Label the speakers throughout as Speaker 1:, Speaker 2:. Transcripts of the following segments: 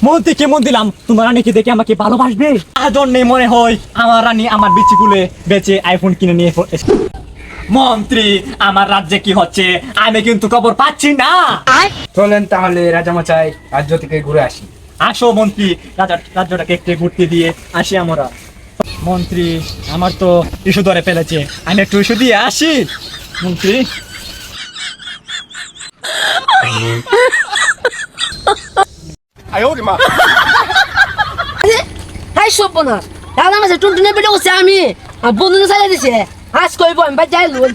Speaker 1: মন্ত্রী কেমন দিলাম তোমার রানীকে দেখে আমাকে ভালোবাসবে তার জন্য মনে হয় আমার রানী আমার বিচিগুলো বেচে আইফোন কিনে নিয়ে এসেছে। মন্ত্রী আমার রাজ্যে কি হচ্ছে আমি কিন্তু খবর পাচ্ছি না।
Speaker 2: চলেন তাহলে রাজামশাই রাজ্য থেকে ঘুরে আসি।
Speaker 1: আসো মন্ত্রী, রাজ্যটাকে একটু ঘুরতে দিয়ে আসি আমরা। মন্ত্রী আমার তো ইস্যু ধরে ফেলেছে, আমি একটু ইস্যু দিয়ে আসি। মন্ত্রী
Speaker 3: হাই সব না দাদা মাসে টুনটুনে পেটে বসে আমি আর বন্ধু চালিয়ে দিছে আজ কইব আমি বাদ যাই লুন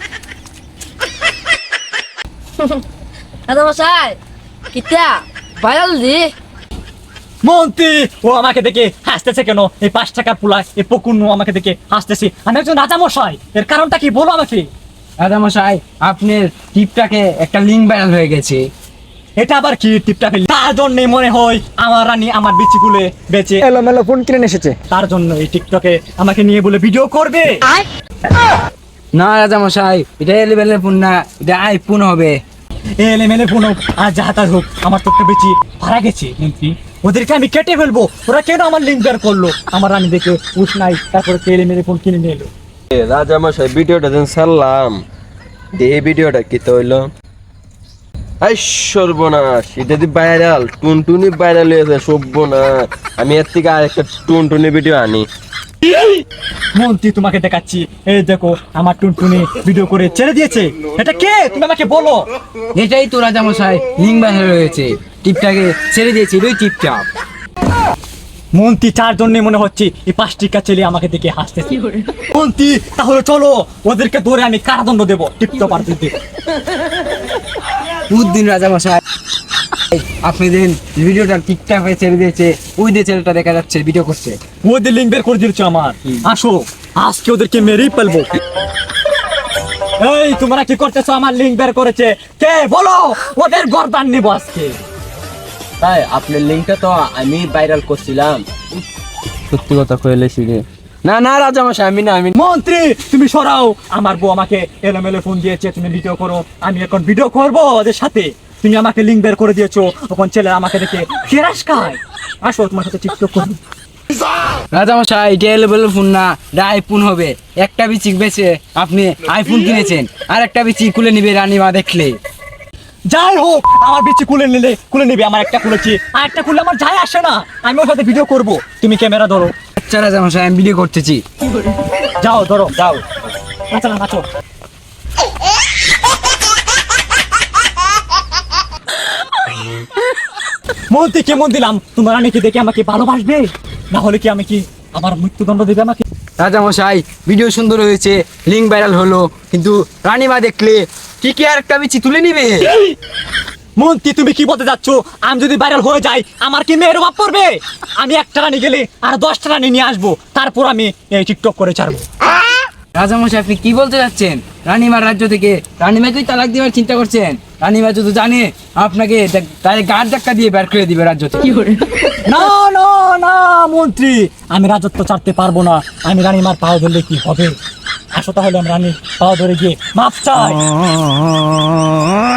Speaker 3: দাদা মাসাই কিতা ভাইরাল দি
Speaker 1: মন্ত্রী ও আমাকে দেখে হাসতেছে কেন? এই 5 টাকার পুলা এই পকুন্ন আমাকে দেখে হাসতেছে। আমি একজন রাজামশাই, এর কারণটা কি বলো আমাকে।
Speaker 2: রাজামশাই আপনার টিপটাকে একটা লিঙ্ক ভাইরাল হয়ে গেছে।
Speaker 1: এটা আবার কি টিপটা ফেলি? তার জন্য মনে হয় আমার রানী আমার বিচিগুলো বেচে
Speaker 2: এলোমেলো ফোন কিনে এসেছে।
Speaker 1: তার জন্য এই টিকটকে আমাকে নিয়ে বলে ভিডিও করবে।
Speaker 2: না রাজামশাই, এটা এলেবেলের ফোন না, এটা আইফোন হবে।
Speaker 1: এলেমেলে ফোন হোক আর যাহা তার হোক, আমার তো একটা বেশি ভাড়া গেছে মন্ত্রী। ওদেরকে আমি কেটে ফেলবো। ওরা কেন আমার লিঙ্ক বের করলো? আমার রানী দেখে উস নাই, তারপরে এলেমেলে ফোন কিনে নিয়ে এলো।
Speaker 4: রাজামশাই ভিডিওটা যেন ছাড়লাম, এই ভিডিওটা কি তো হইলো? আই সর্বনাশ, এটা দি ভাইরাল, টুনটুনি ভাইরাল হয়েছে। সর্বনাশ, আমি এর থেকে আরেকটা টুনটুনি ভিডিও আনি।
Speaker 1: মন্ত্রী তোমাকে দেখাচ্ছি, এই দেখো আমার টুনটুনি ভিডিও করে ছেড়ে দিয়েছে। এটা কে তুমি আমাকে বলো।
Speaker 2: এটাই তো রাজামশাই লিঙ্ক ভাইরাল হয়েছে, টিপটাকে ছেড়ে দিয়েছে ওই টিপটা।
Speaker 1: মন্ত্রী তার জন্য মনে হচ্ছে এই 5 টাকা ছেলে আমাকে দেখে হাসতেছে। মন্ত্রী তাহলে চলো ওদেরকে ধরে আমি কারাদণ্ড দেবো টিকটক আর দিতে।
Speaker 2: বুদ্দিন রাজামশাই, আপনি দিন ভিডিওটা টিকটকে ছেড়ে দিয়েছে, ওই যে ছেলেটা দেখা যাচ্ছে ভিডিও করছে।
Speaker 1: ওদের লিঙ্ক বের করে দিয়েছো আমার। আসো আজকে ওদেরকে মেরেই ফেলবো। এই তোমরা কি করতেছো? আমার লিঙ্ক বের করেছে কে বলো? ওদের গর্দান নিব আজকে।
Speaker 4: তাই আপনার লিঙ্কটা তো আমি ভাইরাল করছিলাম। সত্যি কথা কইলে শিখে না না রাজামশাই, আমি না আমি
Speaker 1: মন্ত্রী তুমি সরাও, আমার বউ আমাকে এলোমেলো ফোন দিয়েছে, তুমি ভিডিও করো। আমি এখন ভিডিও করবো ওদের সাথে। তুমি আমাকে লিঙ্ক বের করে দিয়েছো, তখন ছেলে আমাকে দেখে ফেরাস খায়। আসো তোমার সাথে টিকটক করি।
Speaker 2: রাজামশাই এটা এলেবেলের ফোন না, এটা আইফোন হবে। একটা বিচি বেচে আপনি আইফোন কিনেছেন, আর একটা বিচি খুলে নিবে রানীমা দেখলে।
Speaker 1: যাই হোক আমার বিচি খুলে নিবে। আমার একটা খুলেছি, আর একটা খুললে আমার যায় আসে না। আমি ওর সাথে ভিডিও করবো, তুমি ক্যামেরা ধরো।
Speaker 2: আচ্ছা রাজামশাই, আমি ভিডিও করতেছি।
Speaker 1: যাও ধরো, যাও নাচো না নাচো। মন্ত্রী কেমন দিলাম তোমার রানীকে দেখে আমাকে ভালোবাসবে, না হলে কি আমি কি আমার মৃত্যুদণ্ড দেবে আমাকে?
Speaker 2: রাজামশাই ভিডিও সুন্দর হয়েছে, লিঙ্ক ভাইরাল হলো, কিন্তু রানীমা দেখলে কি আর একটা বিচি তুলে নিবে।
Speaker 1: মন্ত্রী তুমি কি বলতে যাচ্ছ? আমি যদি ভাইরাল হয়ে যাই আমার কি মেয়ের অভাব পড়বে? আমি একটা রানী গেলে আর 10টা রানী নিয়ে আসবো, তারপর আমি এই টিকটক করে ছাড়বো।
Speaker 2: রাজামশাই আপনি কি বলতে যাচ্ছেন? রানীমার রাজ্য থেকে রানীমাকেই তালাক দেওয়ার চিন্তা করছেন? রানীমা যদি জানে আপনাকে তাহলে গাড় ধাক্কা দিয়ে বের করে দিবে রাজ্য থেকে।
Speaker 1: না না না মন্ত্রী, আমি রাজত্ব ছাড়তে পারবো না। আমি রানীমার পাও ধরলে কি হবে? আসো তাহলে আমি রানীর পাও ধরে গিয়ে মাপ চাই।